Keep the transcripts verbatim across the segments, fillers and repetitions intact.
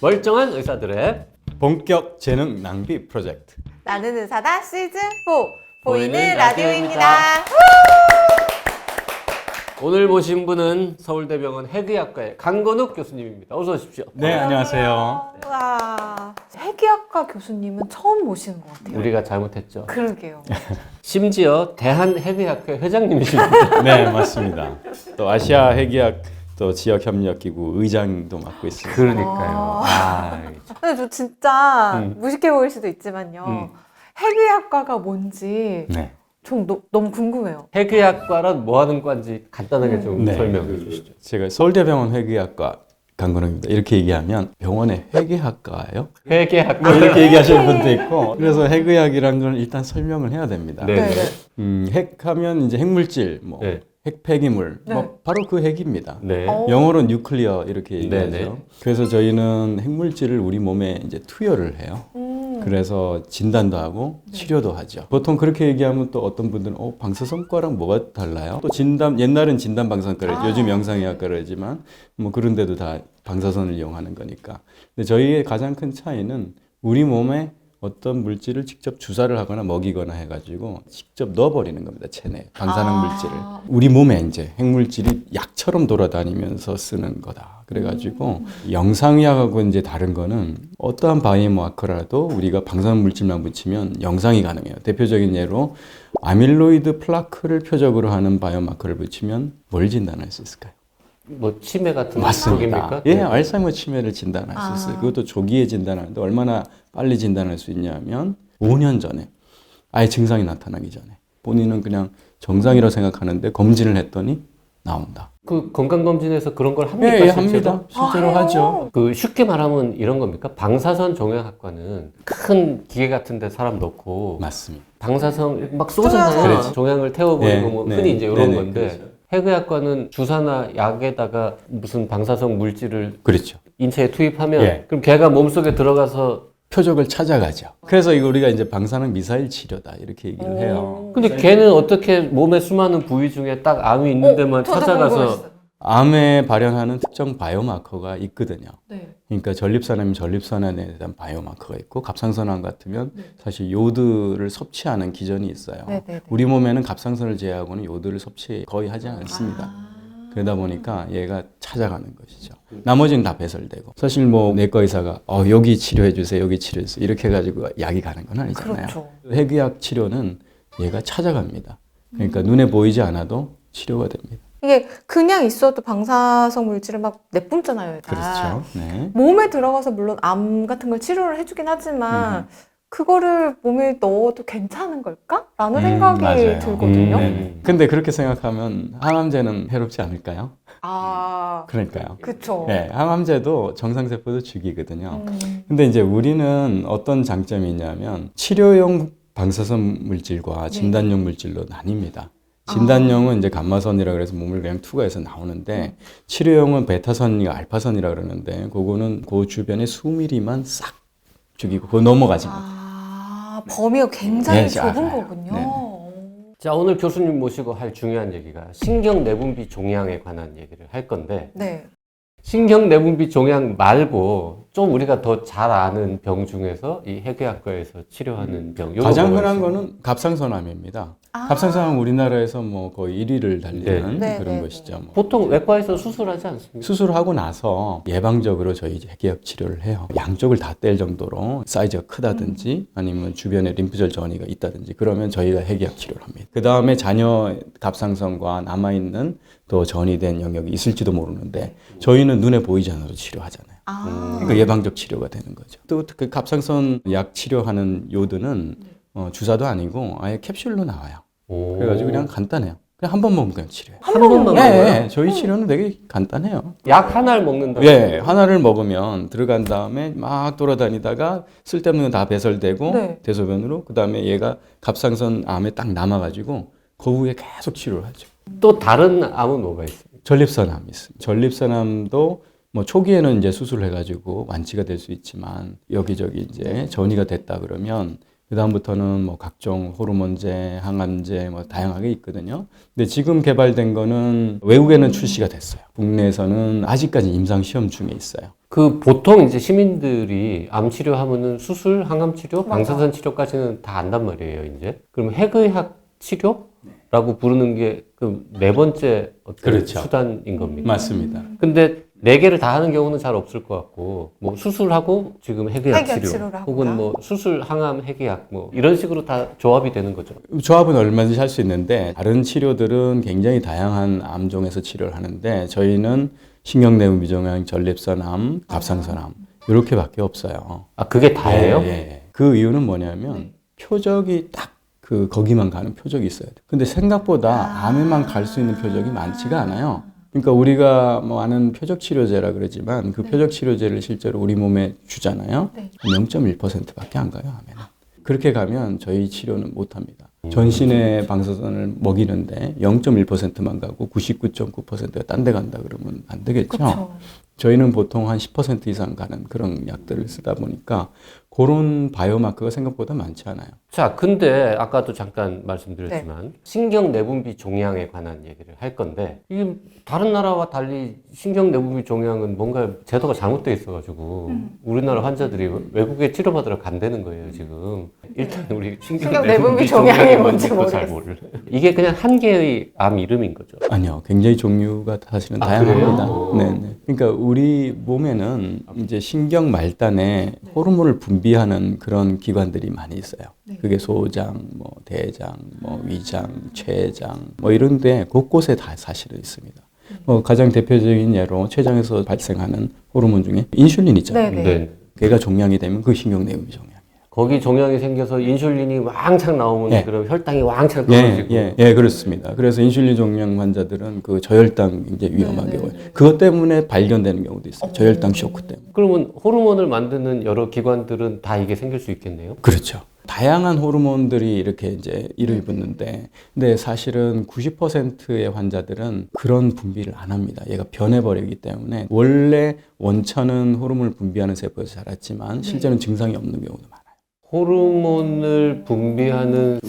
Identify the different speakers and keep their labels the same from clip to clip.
Speaker 1: 멀쩡한 의사들의
Speaker 2: 본격 재능 낭비 프로젝트.
Speaker 3: 나는 의사다 시즌 사 보이는,
Speaker 1: 보이는
Speaker 3: 라디오입니다.
Speaker 1: 라디오입니다. 오늘 모신 분은 서울대병원 해귀학과의 강건욱 교수님입니다. 어서 오십시오.
Speaker 2: 네, 안녕하세요.
Speaker 3: 와, 해귀학과 교수님은 처음 모시는 것 같아요.
Speaker 1: 우리가 잘못했죠.
Speaker 3: 그러게요.
Speaker 1: 심지어 대한해귀학회 회장님이십니다.
Speaker 2: 네, 맞습니다. 또 아시아 해기학 또 지역 협력 기구 의장도 맡고 있습니다.
Speaker 1: 그러니까요. 아,
Speaker 3: 근데 저 진짜
Speaker 1: 음.
Speaker 3: 무식해 보일 수도 있지만요.
Speaker 1: 음.
Speaker 3: 해귀학과가 뭔지
Speaker 2: 네.
Speaker 3: 좀 너, 너무 궁금해요.
Speaker 1: 해귀학과란 뭐 하는 과인지 간단하게 좀
Speaker 2: 네.
Speaker 1: 설명해 주시죠.
Speaker 2: 제가 서울대병원 회계학과 강건욱입니다. 이렇게 얘기하면 병원의 회계학과예요?
Speaker 1: 회계학과.
Speaker 2: 뭐 이렇게 얘기하시는 분도 있고, 그래서 핵의학이라는 걸 일단 설명을 해야 됩니다.
Speaker 1: 네.
Speaker 3: 네네.
Speaker 2: 음, 핵하면 이제 핵물질, 뭐
Speaker 1: 네.
Speaker 2: 핵폐기물,
Speaker 3: 네.
Speaker 2: 뭐 바로 그 핵입니다.
Speaker 1: 네.
Speaker 3: 어.
Speaker 2: 영어로 뉴클리어 이렇게 얘기하죠.
Speaker 1: 네네.
Speaker 2: 그래서 저희는 핵물질을 우리 몸에 이제 투여를 해요.
Speaker 3: 음.
Speaker 2: 그래서 진단도 하고 치료도 하죠. 보통 그렇게 얘기하면 또 어떤 분들은 어, 방사선과랑 뭐가 달라요? 또 진단, 옛날엔 진단 방사선과를
Speaker 3: 아.
Speaker 2: 요즘 영상의학과를 하지만 뭐 그런 데도 다 방사선을 이용하는 거니까. 근데 저희의 가장 큰 차이는 우리 몸에 어떤 물질을 직접 주사를 하거나 먹이거나 해가지고 직접 넣어버리는 겁니다. 체내에 방사능
Speaker 3: 아.
Speaker 2: 물질을. 우리 몸에 이제 핵물질이 약처럼 돌아다니면서 쓰는 거다. 그래가지고
Speaker 3: 음.
Speaker 2: 영상의학하고 이제 다른 거는 어떠한 바이오마커라도 우리가 방사능 물질만 붙이면 영상이 가능해요. 대표적인 예로 아밀로이드 플라크를 표적으로 하는 바이오마커를 붙이면 뭘 진단할 수 있을까요?
Speaker 1: 뭐 치매 같은
Speaker 2: 맞습니다.
Speaker 1: 쪽입니까?
Speaker 2: 예,
Speaker 1: 네.
Speaker 2: 알츠하이머 치매를 진단할 수
Speaker 3: 아.
Speaker 2: 있어요. 그것도 조기에 진단하는데 얼마나 빨리 진단할 수 있냐면 오 년 전에 아예 증상이 나타나기 전에 본인은 그냥 정상이라고 생각하는데 검진을 했더니 나온다.
Speaker 1: 그 건강검진에서 그런 걸 합니까?
Speaker 2: 예, 예,
Speaker 1: 실제로?
Speaker 2: 합니다. 실제로
Speaker 3: 아,
Speaker 2: 하죠.
Speaker 1: 그 쉽게 말하면 이런 겁니까? 방사선 종양학과는 큰 기계 같은 데 사람 넣고
Speaker 2: 맞습니다.
Speaker 1: 방사선 막 쏘잖아요.
Speaker 2: 그렇죠.
Speaker 1: 종양을 태워버리고
Speaker 2: 네,
Speaker 1: 뭐
Speaker 2: 네.
Speaker 1: 흔히 이제 이런
Speaker 2: 네네,
Speaker 1: 건데
Speaker 2: 그렇죠.
Speaker 1: 해외학과는 주사나 약에다가 무슨 방사성 물질을
Speaker 2: 그렇죠.
Speaker 1: 인체에 투입하면
Speaker 2: 예.
Speaker 1: 그럼 걔가 몸속에 들어가서
Speaker 2: 표적을 찾아가죠. 그래서 이거 우리가 이제 방사능 미사일 치료다 이렇게 얘기를 해요.
Speaker 1: 근데 걔는 어떻게 몸의 수많은 부위 중에 딱 암이 있는 데만
Speaker 3: 어, 저도
Speaker 1: 찾아가서
Speaker 3: 궁금했어요.
Speaker 2: 암에 발현하는 특정 바이오마커가 있거든요.
Speaker 3: 네.
Speaker 2: 그러니까 전립선암이면 전립선암에 대한 바이오마커가 있고 갑상선암 같으면
Speaker 3: 네.
Speaker 2: 사실 요드를 섭취하는 기전이 있어요.
Speaker 3: 네네네.
Speaker 2: 우리 몸에는 갑상선을 제외하고는 요드를 섭취 거의 하지 않습니다.
Speaker 3: 아.
Speaker 2: 그러다 보니까 얘가 찾아가는 것이죠. 나머지는 다 배설되고. 사실 뭐 내과 의사가 어, 여기 치료해 주세요, 여기 치료해 주세요 이렇게 해가지고 약이 가는 건 아니잖아요.
Speaker 3: 그렇죠.
Speaker 2: 핵의학 치료는 얘가 찾아갑니다. 그러니까 눈에 보이지 않아도 치료가 됩니다.
Speaker 3: 이게 그냥 있어도 방사성 물질을 막 내뿜잖아요, 얘가.
Speaker 2: 그렇죠. 네.
Speaker 3: 몸에 들어가서 물론 암 같은 걸 치료를 해주긴 하지만 그거를 몸에 넣어도 괜찮은 걸까? 라는
Speaker 2: 음,
Speaker 3: 생각이
Speaker 2: 맞아요.
Speaker 3: 들거든요.
Speaker 1: 음.
Speaker 2: 네. 근데 그렇게 생각하면 항암제는 해롭지 않을까요?
Speaker 3: 아,
Speaker 2: 그러니까요.
Speaker 3: 그쵸.
Speaker 2: 네, 항암제도 정상세포도 죽이거든요.
Speaker 3: 음.
Speaker 2: 근데 이제 우리는 어떤 장점이 있냐면 치료용 방사선 물질과 진단용 물질로 나뉩니다. 진단용은 이제 감마선이라 그래서 몸을 그냥 투과해서 나오는데 치료용은 베타선이가 알파선이라 그러는데 그거는 그 주변에 수미리만 싹 죽이고 그거 넘어가지 못.
Speaker 3: 아, 범위가 굉장히
Speaker 2: 네,
Speaker 3: 좁은
Speaker 2: 알아요.
Speaker 3: 거군요.
Speaker 2: 네네.
Speaker 1: 자 오늘 교수님 모시고 할 중요한 얘기가 신경내분비 종양에 관한 얘기를 할 건데
Speaker 3: 네.
Speaker 1: 신경내분비 종양 말고 좀 우리가 더 잘 아는 병 중에서 이 해괴학과에서 치료하는 병 요거
Speaker 2: 가장
Speaker 1: 뭐가
Speaker 2: 흔한
Speaker 1: 있어요?
Speaker 2: 거는 갑상선암입니다.
Speaker 3: 아.
Speaker 2: 갑상선암 우리나라에서 뭐 거의 일 위를 달리는
Speaker 3: 네.
Speaker 2: 그런
Speaker 3: 네, 네,
Speaker 2: 것이죠. 뭐.
Speaker 1: 보통 외과에서 수술하지 않습니까?
Speaker 2: 수술하고 나서 예방적으로 저희 이제 핵의학 치료를 해요. 양쪽을 다 뗄 정도로 사이즈가 크다든지 아니면 주변에 림프절 전이가 있다든지 그러면 저희가 핵의학 치료를 합니다. 그 다음에 자녀 갑상선과 남아있는 또 전이 된 영역이 있을지도 모르는데 저희는 눈에 보이지 않아도 치료하잖아요.
Speaker 3: 아.
Speaker 2: 그러니까 예방적 치료가 되는 거죠. 또 그 갑상선 약 치료하는 요드는 어, 주사도 아니고 아예 캡슐로 나와요.
Speaker 1: 오.
Speaker 2: 그래가지고 그냥 간단해요. 그냥 한 번 먹으면 그냥 치료해요.
Speaker 1: 한 번만
Speaker 2: 예,
Speaker 1: 먹어요?
Speaker 2: 예, 저희 치료는 되게 간단해요.
Speaker 1: 약 하나를 먹는다.
Speaker 2: 예, 하나를 먹으면 들어간 다음에 막 돌아다니다가 쓸데없는 건 다 배설되고
Speaker 3: 네.
Speaker 2: 대소변으로 그 다음에 얘가 갑상선 암에 딱 남아가지고 그 후에 계속 치료를 하죠.
Speaker 1: 또 다른 암은 뭐가 있습니까?
Speaker 2: 전립선암이 있습니다. 전립선암도 뭐 초기에는 이제 수술을 해가지고 완치가 될 수 있지만 여기저기 이제 전이가 됐다 그러면 그다음부터는 뭐 각종 호르몬제, 항암제 뭐 다양하게 있거든요. 근데 지금 개발된 거는 외국에는 출시가 됐어요. 국내에서는 아직까지 임상 시험 중에 있어요.
Speaker 1: 그 보통 이제 시민들이 암 치료하면은 수술, 항암 치료,
Speaker 3: 맞아.
Speaker 1: 방사선 치료까지는 다 안단 말이에요, 이제. 그럼 핵의학 치료라고 부르는 게 그 네 번째 어떤
Speaker 2: 그렇죠.
Speaker 1: 수단인 겁니까?
Speaker 2: 맞습니다.
Speaker 1: 근데 네 개를 다 하는 경우는 잘 없을 것 같고, 뭐 수술하고 지금 핵의학
Speaker 3: 핵의학
Speaker 1: 치료,
Speaker 3: 치료를 하거나.
Speaker 1: 혹은 뭐 수술, 항암, 핵의학 뭐 이런 식으로 다 조합이 되는 거죠.
Speaker 2: 조합은 얼마든지 할 수 있는데 다른 치료들은 굉장히 다양한 암종에서 치료를 하는데 저희는 신경내분비종양, 전립선암, 갑상선암 이렇게밖에 없어요.
Speaker 1: 아, 그게 다예요?
Speaker 2: 예, 예. 그 이유는 뭐냐면 표적이 딱 그 거기만 가는 표적이 있어야 돼. 근데 생각보다 암에만 갈 수 있는 표적이 많지가 않아요. 그러니까 우리가 뭐 아는 표적 치료제라 그러지만 그 표적 치료제를 실제로 우리 몸에 주잖아요.
Speaker 3: 네.
Speaker 2: 영 점 일 퍼센트밖에 안 가요, 암에는. 그렇게 가면 저희 치료는 못 합니다. 전신의 방사선을 먹이는데 영 점 일 퍼센트만 가고 구십구 점 구 퍼센트가 딴 데 간다 그러면 안 되겠죠.
Speaker 3: 그쵸.
Speaker 2: 저희는 보통 한 십 퍼센트 이상 가는 그런 약들을 쓰다 보니까 그런 바이오마커가 생각보다 많지 않아요.
Speaker 1: 자, 근데 아까도 잠깐 말씀드렸지만 신경 내분비 종양에 관한 얘기를 할 건데 이게 다른 나라와 달리 신경 내분비 종양은 뭔가 제도가 잘못되어 있어가지고
Speaker 3: 음.
Speaker 1: 우리나라 환자들이 외국에 치료받으러 간다는 거예요, 지금. 일단 우리 신경
Speaker 3: 신경
Speaker 1: 내분비
Speaker 3: 내분비
Speaker 1: 종양이
Speaker 3: 종양이
Speaker 1: 뭔지도
Speaker 3: 뭔지
Speaker 1: 잘 몰라. 이게 그냥 한 개의 암 이름인 거죠.
Speaker 2: 아니요, 굉장히 종류가 사실은
Speaker 1: 아,
Speaker 2: 다양합니다.
Speaker 1: 그래요?
Speaker 2: 네네. 그러니까 우리 몸에는 이제 신경 말단에 호르몬을 분비하는 그런 기관들이 많이 있어요.
Speaker 3: 네.
Speaker 2: 그게 소장, 뭐 대장, 뭐 위장, 췌장, 뭐 이런데 곳곳에 다 사실은 있습니다. 뭐 가장 대표적인 예로 췌장에서 발생하는 호르몬 중에 인슐린 있잖아요.
Speaker 3: 네네.
Speaker 1: 네.
Speaker 2: 걔가 종양이 되면 그 신경내분비 종양.
Speaker 1: 거기 종양이 생겨서 인슐린이 왕창 나오면
Speaker 2: 예.
Speaker 1: 그럼 혈당이 왕창
Speaker 2: 예,
Speaker 1: 떨어지고.
Speaker 2: 예, 예, 그렇습니다. 그래서 인슐린 종양 환자들은 그 저혈당 굉장히 위험한
Speaker 3: 네, 네,
Speaker 2: 경우에
Speaker 3: 네.
Speaker 2: 그것 때문에 발견되는 경우도 있어요.
Speaker 3: 어.
Speaker 2: 저혈당 쇼크 때문에.
Speaker 1: 그러면 호르몬을 만드는 여러 기관들은 다 이게 생길 수 있겠네요.
Speaker 2: 그렇죠. 다양한 호르몬들이 이렇게 이제 일을 붙는데, 근데 사실은 구십 퍼센트의 환자들은 그런 분비를 안 합니다. 얘가 변해버리기 때문에 원래 원천은 호르몬을 분비하는 세포에서 자랐지만 실제는 증상이 없는 경우도 많아요.
Speaker 1: 호르몬을 분비하는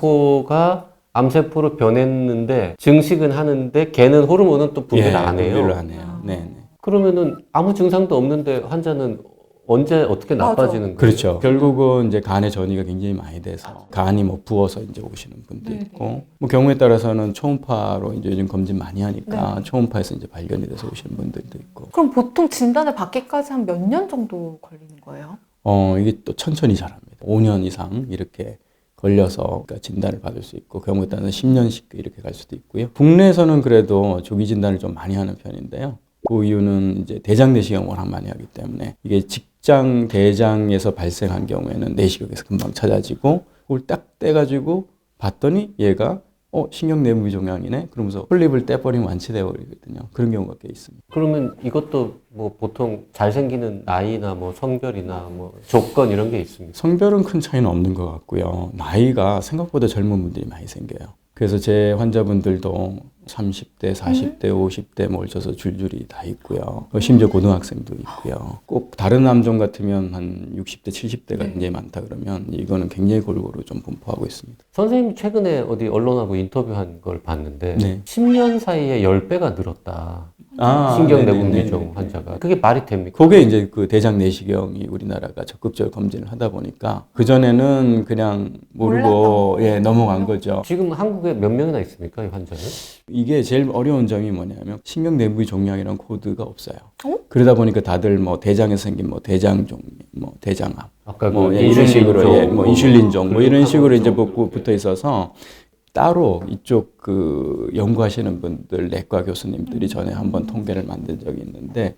Speaker 1: 세포가 암세포로 변했는데 증식은 하는데 걔는 호르몬은 또 분비를
Speaker 2: 예,
Speaker 1: 안 해요.
Speaker 2: 분비를 안 해요. 네, 네.
Speaker 1: 그러면은 아무 증상도 없는데 환자는 언제 어떻게
Speaker 3: 맞아.
Speaker 1: 나빠지는 거예요?
Speaker 2: 그렇죠. 결국은 이제 간의 전이가 굉장히 많이 돼서 간이 뭐 부어서 이제 오시는 분도
Speaker 3: 네네.
Speaker 2: 있고, 뭐 경우에 따라서는 초음파로 이제 요즘 검진 많이 하니까
Speaker 3: 네.
Speaker 2: 초음파에서 이제 발견이 돼서 오시는 분들도 있고.
Speaker 3: 그럼 보통 진단을 받기까지 한 몇 년 정도 걸리는 거예요?
Speaker 2: 어, 이게 또 천천히 자랍니다. 오 년 이상 이렇게 걸려서 그러니까 진단을 받을 수 있고, 경우에 따라서 십 년씩 이렇게 갈 수도 있고요. 국내에서는 그래도 조기 진단을 좀 많이 하는 편인데요. 그 이유는 이제 대장 내시경을 워낙 많이 하기 때문에 이게 직장 대장에서 발생한 경우에는 내시경에서 금방 찾아지고 그걸 딱 떼가지고 봤더니 얘가 어 신경내분비 종양이네 그러면서 폴립을 떼버리면 완치돼 버리거든요. 그런 경우가 꽤 있습니다.
Speaker 1: 그러면 이것도 뭐 보통 잘생기는 나이나 뭐 성별이나 뭐 조건 이런 게 있습니까?
Speaker 2: 성별은 큰 차이는 없는 것 같고요. 나이가 생각보다 젊은 분들이 많이 생겨요. 그래서 제 환자분들도 삼십 대, 사십 대, 오십 대 몰쳐서 줄줄이 다 있고요. 심지어 고등학생도 있고요. 꼭 다른 암종 같으면 한 육십 대, 칠십 대가 굉장히 많다 그러면 이거는 굉장히 골고루 좀 분포하고 있습니다.
Speaker 1: 선생님이 최근에 어디 언론하고 인터뷰한 걸 봤는데
Speaker 2: 네.
Speaker 1: 십 년 사이에 십 배가 늘었다.
Speaker 2: 아,
Speaker 1: 신경내분비종
Speaker 2: 네네네네.
Speaker 1: 환자가. 그게 말이 됩니까?
Speaker 2: 그게 이제 그 대장 내시경이 우리나라가 적극적으로 검진을 하다 보니까 그전에는 그냥 모르고
Speaker 3: 몰랐던
Speaker 2: 예, 넘어간 거죠.
Speaker 1: 지금 한국에 몇 명이나 있습니까, 이 환자는?
Speaker 2: 이게 제일 어려운 점이 뭐냐면 신경내분비 종양이라는 코드가 없어요.
Speaker 3: 어?
Speaker 2: 그러다 보니까 다들 뭐 대장에서 생긴 뭐 대장종, 뭐 대장암,
Speaker 1: 아까
Speaker 2: 뭐
Speaker 1: 그
Speaker 2: 예, 이런 식으로
Speaker 1: 인슐린종,
Speaker 2: 예, 뭐 인슐린종 뭐 이런 식으로 이제
Speaker 1: 글루카곤종.
Speaker 2: 붙- 붙어 있어서 따로 이쪽 그 연구하시는 분들 내과 교수님들이 전에 한번 통계를 만든 적이 있는데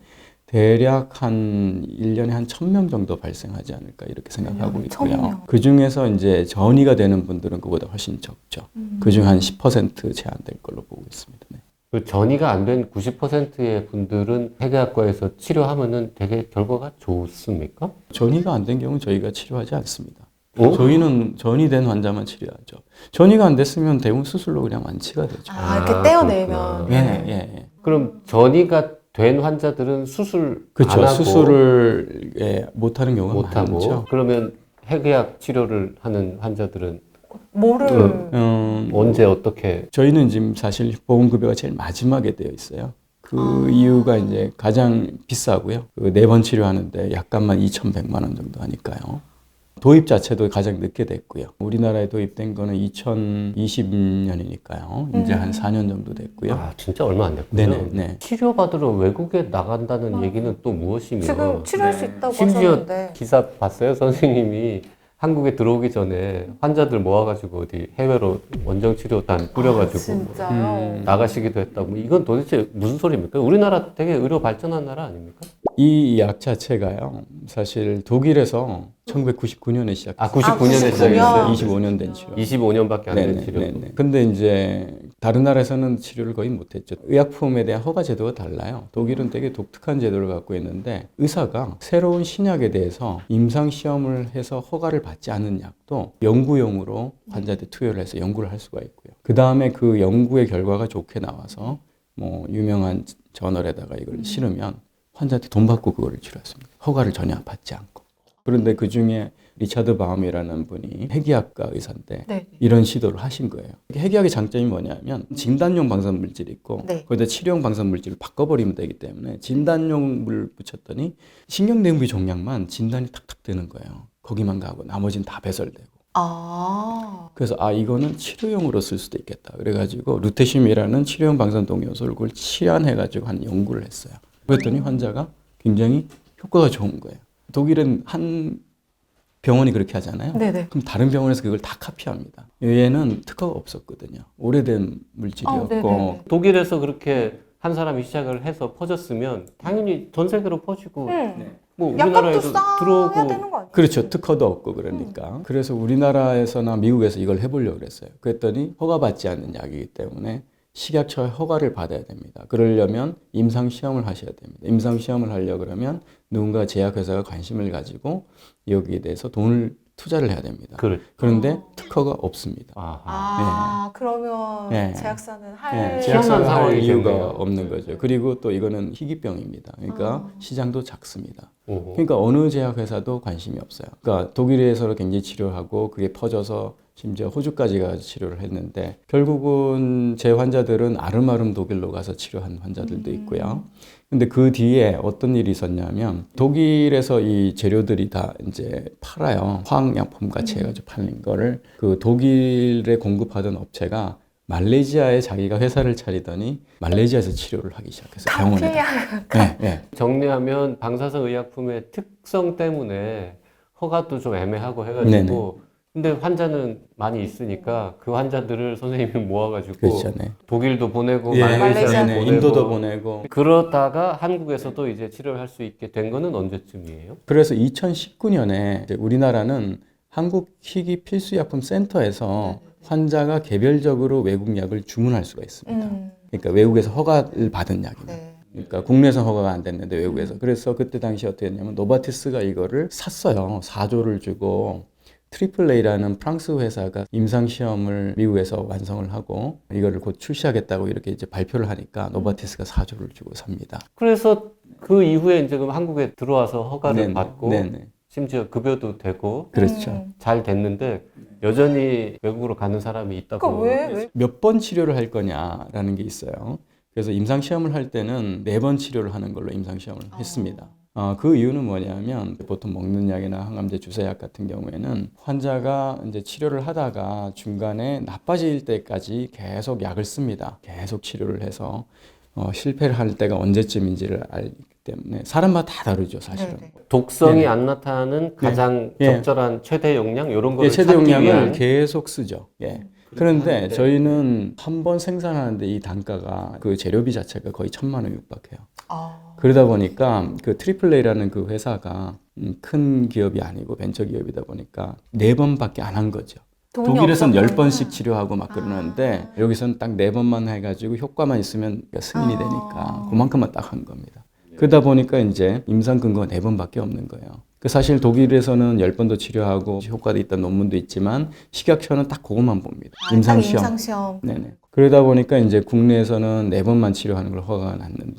Speaker 2: 대략 한 일 년에 한 천 명 정도 발생하지 않을까 이렇게 생각하고
Speaker 3: 일 년에 천
Speaker 2: 있고요.
Speaker 3: 명.
Speaker 2: 그 중에서 이제 전이가 되는 분들은 그보다 훨씬 적죠.
Speaker 3: 음.
Speaker 2: 그 중 한 십 퍼센트 제한될 걸로 보고 있습니다. 네.
Speaker 1: 그 전이가 안 된 구십 퍼센트의 분들은 핵의학과에서 치료하면은 되게 결과가 좋습니까?
Speaker 2: 전이가 안 된 경우는 저희가 치료하지 않습니다.
Speaker 1: 어?
Speaker 2: 저희는 전이 된 환자만 치료하죠. 전이가 안 됐으면 대부분 수술로 그냥 완치가 되죠.
Speaker 3: 아, 이렇게
Speaker 1: 아,
Speaker 3: 떼어내면.
Speaker 1: 그렇구나.
Speaker 2: 예, 예, 예.
Speaker 1: 그럼 전이가 된 환자들은 수술
Speaker 2: 그렇죠.
Speaker 1: 안 하고
Speaker 2: 수술을 예, 못하는 경우가
Speaker 1: 못 하고
Speaker 2: 많죠.
Speaker 1: 그러면 핵의학 치료를 하는 환자들은
Speaker 3: 뭐를
Speaker 1: 그-
Speaker 2: 음,
Speaker 1: 언제 어떻게
Speaker 2: 저희는 지금 사실 보험급여가 제일 마지막에 되어 있어요. 그
Speaker 3: 아.
Speaker 2: 이유가 이제 가장 비싸고요. 그 네 번 치료하는데 약값만 이천백만 원 정도 하니까요. 도입 자체도 가장 늦게 됐고요. 우리나라에 도입된 거는 이천이십 년이니까요. 이제
Speaker 3: 음.
Speaker 2: 한 사 년 정도 됐고요.
Speaker 1: 아 진짜 얼마 안 됐군요.
Speaker 2: 네네. 네.
Speaker 1: 치료받으러 외국에 나간다는 얘기는 또 무엇이며
Speaker 3: 지금 치료할
Speaker 2: 네.
Speaker 3: 수 있다고
Speaker 1: 심지어
Speaker 3: 하셨는데
Speaker 1: 기사 봤어요? 선생님이 한국에 들어오기 전에 환자들 모아가지고 어디 해외로 원정치료단 뿌려가지고
Speaker 3: 아, 진짜요?
Speaker 2: 음.
Speaker 1: 나가시기도 했다고. 이건 도대체 무슨 소리입니까? 우리나라 되게 의료 발전한 나라 아닙니까?
Speaker 2: 이 약 자체가요. 사실 독일에서 천구백구십구 년에 시작했어요.
Speaker 1: 아 구십구 년에
Speaker 3: 아, 구십구 년.
Speaker 1: 시작했어요.
Speaker 2: 이십오 년 된 치료.
Speaker 1: 이십오 년밖에 안 된
Speaker 2: 네네,
Speaker 1: 치료.
Speaker 2: 네네. 근데 이제 다른 나라에서는 치료를 거의 못했죠. 의약품에 대한 허가 제도가 달라요. 독일은 되게 독특한 제도를 갖고 있는데 의사가 새로운 신약에 대해서 임상 시험을 해서 허가를 받지 않은 약도 연구용으로 환자한테 투여를 해서 연구를 할 수가 있고요. 그 다음에 그 연구의 결과가 좋게 나와서 뭐 유명한 저널에다가 이걸 실으면 환자한테 돈 받고 그거를 치료했습니다. 허가를 전혀 받지 않고. 그런데 그 중에 리차드 바움이라는 분이 핵의학과 의사인데
Speaker 3: 네.
Speaker 2: 이런 시도를 하신 거예요. 핵의학의 장점이 뭐냐면 진단용 방사능 물질이 있고
Speaker 3: 네.
Speaker 2: 거기다 치료용 방사능 물질을 바꿔버리면 되기 때문에 진단용 물 붙였더니 신경내분비 종양만 진단이 탁탁 되는 거예요. 거기만 가고 나머지는 다 배설되고.
Speaker 3: 아.
Speaker 2: 그래서 아 이거는 치료용으로 쓸 수도 있겠다. 그래가지고 루테슘이라는 치료용 방사능 동요소를 그걸 치환해가지고 한 연구를 했어요. 그랬더니 환자가 굉장히 효과가 좋은 거예요. 독일은 한 병원이 그렇게 하잖아요.
Speaker 3: 네네.
Speaker 2: 그럼 다른 병원에서 그걸 다 카피합니다. 얘는 특허가 없었거든요. 오래된 물질이었고.
Speaker 3: 아, 네네.
Speaker 1: 독일에서 그렇게 한 사람이 시작을 해서 퍼졌으면 당연히 전 세계로 퍼지고
Speaker 3: 음.
Speaker 1: 뭐
Speaker 3: 약값도
Speaker 1: 우리나라에도
Speaker 3: 싸야
Speaker 1: 들어오고
Speaker 3: 되는 거 아니에요?
Speaker 2: 그렇죠. 특허도 없고 그러니까. 그래서 우리나라에서나 미국에서 이걸 해보려고 그랬어요. 그랬더니 허가받지 않는 약이기 때문에 식약처의 허가를 받아야 됩니다. 그러려면 임상시험을 하셔야 됩니다. 임상시험을 하려고 그러면 누군가 제약회사가 관심을 가지고 여기에 대해서 돈을 투자를 해야 됩니다.
Speaker 1: 그래.
Speaker 2: 그런데 특허가 없습니다.
Speaker 1: 아하.
Speaker 3: 아, 그러면
Speaker 2: 네.
Speaker 3: 제약사는 할
Speaker 2: 네,
Speaker 1: 희한한
Speaker 2: 제약사가 할
Speaker 1: 상황이
Speaker 2: 이유가
Speaker 1: 생겨요.
Speaker 2: 없는 거죠. 그리고 또 이거는 희귀병입니다. 그러니까
Speaker 3: 아.
Speaker 2: 시장도 작습니다.
Speaker 1: 오호.
Speaker 2: 그러니까 어느 제약회사도 관심이 없어요. 그러니까 독일에서 굉장히 치료하고 그게 퍼져서 심지어 호주까지 가서 치료를 했는데 결국은 제 환자들은 아름아름 독일로 가서 치료한 환자들도 있고요. 근데 그 뒤에 어떤 일이 있었냐면 독일에서 이 재료들이 다 이제 팔아요. 화학약품 같이 해가지고 팔린 거를 그 독일에 공급하던 업체가 말레이시아에 자기가 회사를 차리더니 말레이시아에서 치료를 하기 시작했어요. 병원에다.
Speaker 3: 카피야.
Speaker 2: 네, 네.
Speaker 1: 정리하면 방사성 의약품의 특성 때문에 허가도 좀 애매하고 해가지고
Speaker 2: 네네.
Speaker 1: 근데 환자는 많이 있으니까 그 환자들을 선생님이 모아가지고
Speaker 2: 그렇죠. 네.
Speaker 1: 독일도 보내고
Speaker 2: 예,
Speaker 1: 말레이시아도
Speaker 3: 말레이시아.
Speaker 2: 네,
Speaker 1: 보내고
Speaker 2: 인도도 보내고.
Speaker 1: 그러다가 한국에서도 이제 치료를 할 수 있게 된 거는 언제쯤이에요?
Speaker 2: 그래서 이천십구 년에 이제 우리나라는 한국 희귀 필수약품 센터에서 환자가 개별적으로 외국 약을 주문할 수가 있습니다.
Speaker 3: 음.
Speaker 2: 그러니까 외국에서 허가를 받은 약입니다.
Speaker 3: 네.
Speaker 2: 그러니까 국내에서 허가가 안 됐는데 외국에서. 그래서 그때 당시 어떻게 했냐면 노바티스가 이거를 샀어요. 사조를 주고 트리플 A라는 프랑스 회사가 임상 시험을 미국에서 완성을 하고 이거를 곧 출시하겠다고 이렇게 이제 발표를 하니까 노바티스가 사조를 주고 삽니다.
Speaker 1: 그래서 그 이후에 이제 그럼 한국에 들어와서 허가를
Speaker 2: 네네.
Speaker 1: 받고
Speaker 2: 네네.
Speaker 1: 심지어 급여도 되고
Speaker 2: 그렇죠.
Speaker 3: 음.
Speaker 1: 잘 됐는데 여전히 외국으로 가는 사람이 있다고.
Speaker 3: 그러니까 왜? 왜?
Speaker 2: 몇 번 치료를 할 거냐라는 게 있어요. 그래서 임상 시험을 할 때는 네 번 치료를 하는 걸로 임상 시험을 했습니다. 어, 그 이유는 뭐냐면 보통 먹는 약이나 항암제 주사약 같은 경우에는 환자가 이제 치료를 하다가 중간에 나빠질 때까지 계속 약을 씁니다. 계속 치료를 해서 어, 실패를 할 때가 언제쯤인지를 알기 때문에 사람마다 다 다르죠, 사실은.
Speaker 3: 네네.
Speaker 1: 독성이
Speaker 2: 네네.
Speaker 1: 안 나타나는 가장
Speaker 2: 예.
Speaker 1: 적절한 최대 용량 이런 거를
Speaker 2: 예, 최대
Speaker 1: 찾기
Speaker 2: 용량을
Speaker 1: 위한
Speaker 2: 계속 쓰죠. 예. 그런데
Speaker 1: 하는데.
Speaker 2: 저희는 한 번 생산하는데 이 단가가 그 재료비 자체가 거의 천만 원 육박해요.
Speaker 3: 아.
Speaker 2: 그러다 보니까 그 트리플 A라는 그 회사가 음, 큰 기업이 아니고 벤처 기업이다 보니까 네 번밖에 안 한 거죠.
Speaker 3: 돈이
Speaker 2: 독일에서는 열
Speaker 3: 없었구나.
Speaker 2: 번씩 치료하고 막 그러는데
Speaker 3: 아.
Speaker 2: 여기서는 딱 네 번만 해가지고 효과만 있으면 승인이
Speaker 3: 아.
Speaker 2: 되니까 그만큼만 딱 한 겁니다. 그러다 보니까 이제 임상 근거가 네 번밖에 없는 거예요. 그 사실 독일에서는 열 번도 치료하고 효과도 있다는 논문도 있지만 식약처는 딱 그것만 봅니다.
Speaker 3: 아,
Speaker 2: 임상
Speaker 3: 딱
Speaker 2: 시험.
Speaker 3: 임상시험.
Speaker 2: 네네. 그러다 보니까 이제 국내에서는 네 번만 치료하는 걸 허가가 났는데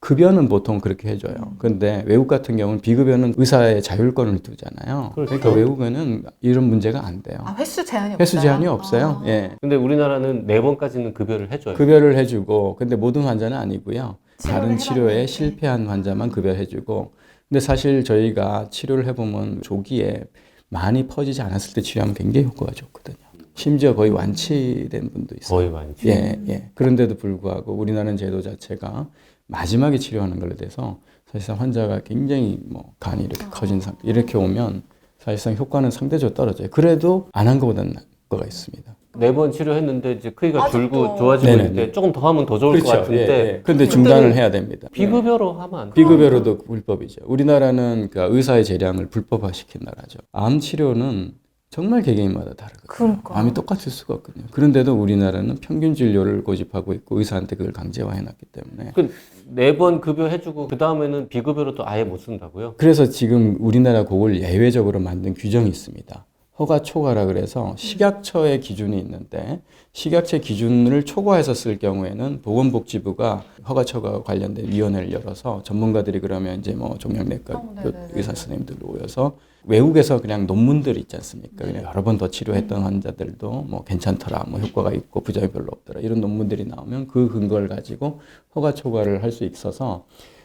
Speaker 2: 급여는 보통 그렇게 해줘요. 근데 외국 같은 경우는 비급여는 의사의 자율권을 두잖아요.
Speaker 1: 그렇죠.
Speaker 2: 그러니까 외국에는 이런 문제가 안 돼요.
Speaker 3: 아, 횟수 제한이
Speaker 2: 횟수
Speaker 3: 없어요?
Speaker 2: 제한이 없어요.
Speaker 3: 아.
Speaker 2: 예.
Speaker 1: 근데 우리나라는 네 번까지는 급여를 해줘요.
Speaker 2: 급여를 해주고, 근데 모든 환자는 아니고요. 다른
Speaker 3: 치료를
Speaker 2: 치료에
Speaker 3: 해봤는데.
Speaker 2: 실패한 환자만 급여해주고, 근데 사실 저희가 치료를 해보면 조기에 많이 퍼지지 않았을 때 치료하면 굉장히 효과가 좋거든요. 심지어 거의 완치된 분도 있어요.
Speaker 1: 거의 많죠.
Speaker 2: 예, 예. 그런데도 불구하고 우리나라는 제도 자체가 마지막에 치료하는 걸로 돼서 사실상 환자가 굉장히 뭐 간이 이렇게 커진 상태, 이렇게 오면 사실상 효과는 상대적으로 떨어져요. 그래도 안 한 것보다는 나은 거가 있습니다.
Speaker 1: 네 번 치료했는데 이제 크기가
Speaker 3: 아직도.
Speaker 1: 줄고 좋아지고
Speaker 2: 네네네.
Speaker 1: 있는데 조금 더 하면 더 좋을 것 같은데
Speaker 2: 예, 예. 근데 중단을 해야 됩니다.
Speaker 1: 비급여로 하면 안 돼요.
Speaker 2: 비급여로도 불법이죠. 우리나라는 그러니까 의사의 재량을 불법화시킨 나라죠. 암 치료는 정말 개개인마다 다르거든요.
Speaker 3: 그러니까.
Speaker 2: 암이 똑같을 수가 없거든요. 그런데도 우리나라는 평균 진료를 고집하고 있고 의사한테 그걸 강제화해놨기 때문에.
Speaker 1: 네 번 급여 해주고 그 다음에는 비급여로 또 아예 못 쓴다고요?
Speaker 2: 그래서 지금 우리나라 그걸 예외적으로 만든 규정이 있습니다. 허가 초과라 그래서 식약처의 기준이 있는데 식약처 기준을 초과해서 쓸 경우에는 보건복지부가 허가 초과 관련된 위원회를 열어서 전문가들이 그러면 이제 뭐 종양내과
Speaker 3: 어, 네네네.
Speaker 2: 의사 선생님들 모여서 외국에서 그냥 논문들 있지 않습니까? 그냥 여러 번 더 치료했던 환자들도 뭐 괜찮더라, 뭐 효과가 있고 부작용이 별로 없더라 이런 논문들이 나오면 그 근거를 가지고 허가 초과를 할 수 있어서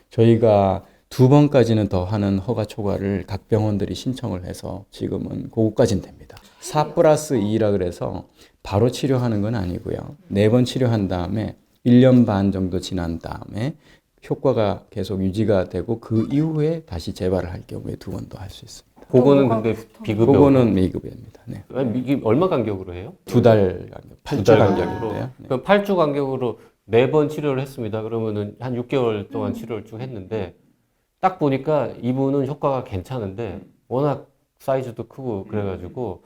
Speaker 2: 저희가 두 번까지는 더 하는 허가 초과를 각 병원들이 신청을 해서 지금은 그거까지는 됩니다. 사 플러스 이라 그래서 바로 치료하는 건 아니고요. 네 번 치료한 다음에 일 년 반 정도 지난 다음에 효과가 계속 유지가 되고 그 이후에 다시 재발을 할 경우에 두 번 더 할 수 있습니다.
Speaker 1: 그거는 근데 비급여.
Speaker 2: 그거는 미급여입니다. 네.
Speaker 1: 아니, 이게 얼마 간격으로 해요?
Speaker 2: 두 달 간격, 팔
Speaker 1: 두
Speaker 2: 주
Speaker 1: 달
Speaker 2: 간격인데요. 네.
Speaker 1: 그럼 팔 주 간격으로 네 번 치료를 했습니다. 그러면은 한 육 개월 동안 치료를 쭉 했는데 딱 보니까 이분은 효과가 괜찮은데 워낙 사이즈도 크고 그래가지고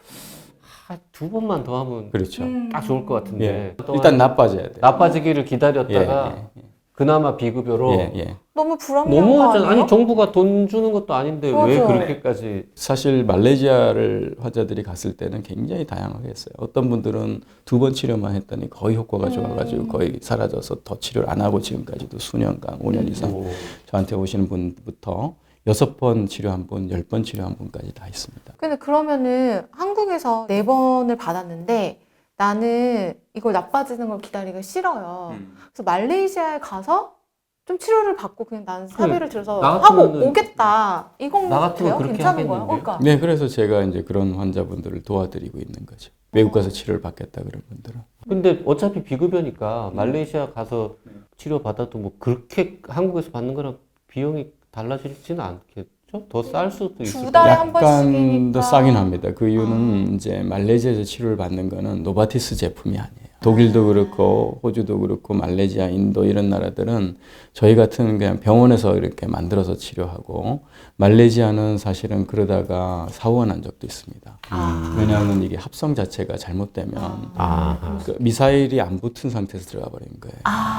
Speaker 1: 아, 두 번만 더 하면
Speaker 2: 그렇죠.
Speaker 1: 딱 좋을 것 같은데
Speaker 2: 예.
Speaker 1: 또
Speaker 2: 일단
Speaker 1: 한-
Speaker 2: 나빠져야 돼요.
Speaker 1: 나빠지기를 기다렸다가
Speaker 2: 예, 예,
Speaker 1: 그나마 비급여로
Speaker 2: 예, 예.
Speaker 3: 너무 불합리한 거
Speaker 1: 너무하잖아.
Speaker 3: 아니에요?
Speaker 1: 아니 정부가 돈 주는 것도 아닌데 왜
Speaker 3: 맞아.
Speaker 1: 그렇게까지
Speaker 2: 사실 말레이시아를 환자들이 갔을 때는 굉장히 다양하게 했어요. 어떤 분들은 두 번 치료만 했더니 거의 효과가 좋아가지고 거의 사라져서 더 치료를 안 하고 지금까지도 수년간, 오 년 이상
Speaker 1: 오.
Speaker 2: 저한테 오시는 분부터 여섯 번 치료한 분, 열 번 치료한 분까지 다 있습니다.
Speaker 3: 근데 그러면은 한국에서 네 번을 받았는데 나는 이걸 나빠지는 걸 기다리기 싫어요. 그래서 말레이시아에 가서 좀 치료를 받고 그냥 나는 사비를 들여서
Speaker 1: 나
Speaker 3: 하고
Speaker 1: 같으면은-
Speaker 3: 오겠다. 이건
Speaker 1: 나 같으면
Speaker 3: 돼요?
Speaker 1: 그렇게
Speaker 3: 괜찮은 거야?
Speaker 1: 하겠는데요?
Speaker 3: 그러니까.
Speaker 2: 네, 그래서 제가 이제 그런 환자분들을 도와드리고 있는 거죠. 외국 가서 치료를 받겠다 그런 분들은.
Speaker 1: 근데 어차피 비급여니까 말레이시아 가서 치료 받아도 뭐 그렇게 한국에서 받는 거랑 비용이 달라지지는 않겠죠? 더 쌀 수도 있을
Speaker 3: 두 달에
Speaker 1: 거예요.
Speaker 3: 한
Speaker 2: 약간
Speaker 3: 번씩이니까.
Speaker 2: 더 싸긴 합니다. 그 이유는 이제 말레이시아에서 치료를 받는 거는 노바티스 제품이 아니에요. 독일도 그렇고 호주도 그렇고 말레이시아, 인도 이런 나라들은 저희 같은 그냥 병원에서 이렇게 만들어서 치료하고 말레이시아는 사실은 그러다가 사고가 난 적도 있습니다. 왜냐하면 이게 합성 자체가 잘못되면
Speaker 1: 아,
Speaker 2: 그 미사일이 안 붙은 상태에서 들어가 버린 거예요.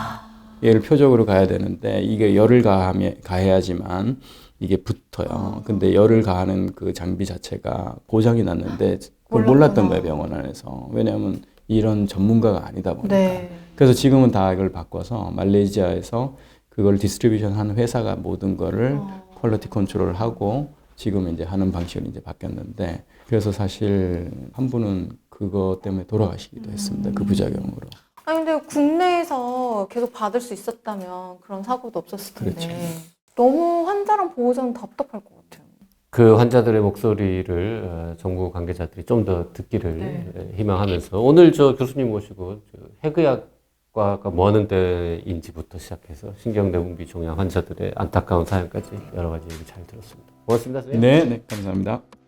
Speaker 2: 얘를 표적으로 가야 되는데 이게 열을 가하면, 가해야지만 이게 붙어요. 근데 열을 가하는 그 장비 자체가 고장이 났는데 그걸 몰랐던 거예요, 병원 안에서. 왜냐하면 이런 전문가가 아니다 보니까.
Speaker 3: 네.
Speaker 2: 그래서 지금은 다 이걸 바꿔서 말레이시아에서 그걸 디스트리뷰션 하는 회사가 모든 거를 퀄리티 컨트롤을 하고 지금 이제 하는 방식으로 이제 바뀌었는데 그래서 사실 한 분은 그것 때문에 돌아가시기도 했습니다. 그 부작용으로.
Speaker 3: 아니 근데 국내에서 계속 받을 수 있었다면 그런 사고도 없었을 텐데
Speaker 2: 그렇죠.
Speaker 3: 너무 환자랑 보호자는 답답할 것 같아요.
Speaker 1: 그 환자들의 목소리를 어, 정부 관계자들이 좀 더 듣기를
Speaker 3: 네.
Speaker 1: 에, 희망하면서 오늘 저 교수님 모시고 저 해그약과가 뭐 하는 데인지부터 시작해서 신경내분비 종양 환자들의 안타까운 사연까지 여러 가지 얘기 잘 들었습니다. 고맙습니다, 선생님.
Speaker 2: 네, 네, 감사합니다.